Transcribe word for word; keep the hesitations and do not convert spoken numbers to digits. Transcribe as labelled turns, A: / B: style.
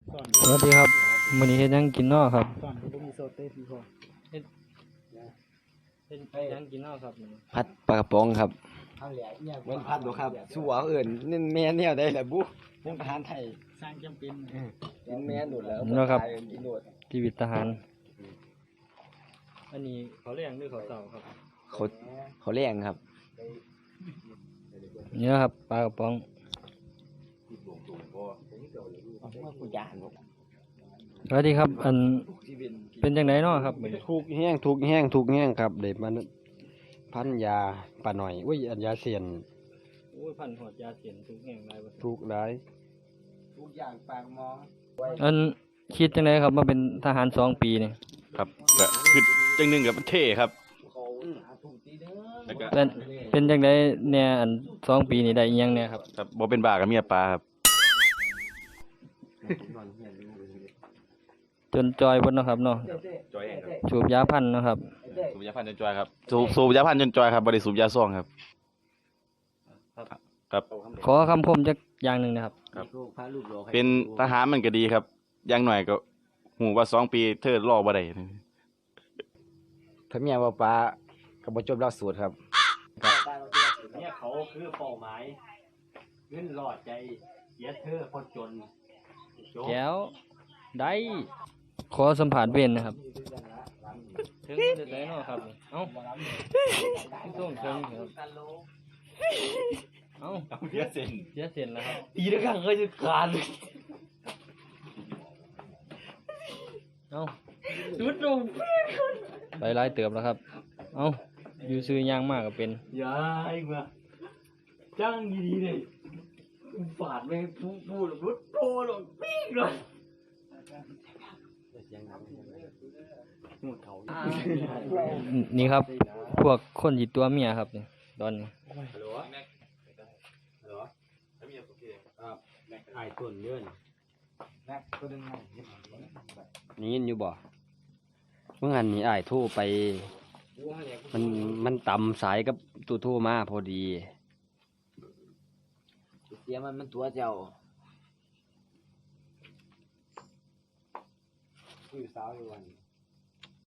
A: สวัสดีครับมื้อนี้เฮ็ดหยังกินน้อครับ
B: สอนก็ต้องมีโซเต้ที่พอ
A: เฮ็ดเฮ็ดหยังกินน้อครับมื้อนี้
C: พัดปลากระป๋องครับ
B: เอาแหละเนี่ย
C: เว้นพัดบ่ครับสู้เอาเอิ้นนี่แม่แนวได้แหละบุเป็นทหารไทย
B: สร้างจำเป็น
C: กินแม่นโดดแล้ว
A: เนาะครับ
C: ตายกินโดด
A: ชีวิตทหาร อันนี้เขาเรียกหรือเขาเต่าครับ
C: เขาเขาแรงครับ
A: นี่นะครับปลากระป๋อง
C: ว่ากูยานบ่
A: สวัสดีครับ อันเป็นจังไดน้อครับมื้อนี้
C: ทุกแห้งทุกแห้งทุกแห้งครับได้มันพันยาปลาหน่อยอุ้ยอันยาเสียน
A: โอ้ยพันหอดยาเสียนทุกแห่งหลายบ่
C: ทุกหลาย
B: ทุกอย่างปากมอง
A: อันคิดจังไดครับมาเป็นทหารสองปีนี่
D: ครับก็คือจังหนึ่งกับเท่ครับแล้วก็
A: เป็นเป็นจังไดแน่อันสองปีนี่ได้อิหยังแน่ครับ
D: ครับบ่เป็นบ้ากับเมียปลาครับ
A: จนจอยเพิ่นเนาะครับเนาะ
D: จอยเองครับ
A: สูบยาพันธุ์เนาะครับ
D: สูบยาพันธุ์จนจอยครับสูบสูบยาพันธุ์จนจอยครับบ่ได้สูบยาซ่องครับครับ
A: ขอคำคมจักอย่างหนึงนะครับ
C: ลูกพาลูกหลอกให้
D: เป็นทหารมันก็ดีครับอย่างหน่อยก็หูว่าสองปีเธอรอบ่ได้
C: ถ้าเมียว่าปลาก็บ่จบหลักสูตรครับ
E: เนี่ยเขาคือเป้าหมายเงินหลอดใจเสียเธอคนจนจบ
A: แก้วได้ขอสัมผัสเวรนะครับถึงจะได้เนาะครับเอ้าส่งเชิงครับเอ้า
D: เสียเส้น
A: เสียเสียนแล้วครับ
E: ตีด้วยกันเคยจะขาด
A: เอ้า
E: จุดลง
A: ไปไล่เติบแล้วครับเอ้าอยู่ซื้อย่างมากก็เป็น
E: อย่าให้มาจ้างดีๆเลยฝาดไม่พูดพูดรุดโตหรอกปีกเลย
A: นี่ครับ พวกคนจิตตัวเมียครับนี่ตอนนี้
C: ไอ้ต้นเดือน
B: แม็กก็ดึงให้
C: นี่ยินอยู่บ่เมื่อหันนี่อ้ายโทรไป มันมันต่ำสายกับตู้โทรมาพอดี
B: เสียมันมันตัวเจ้าคุยสาวอยู่วัน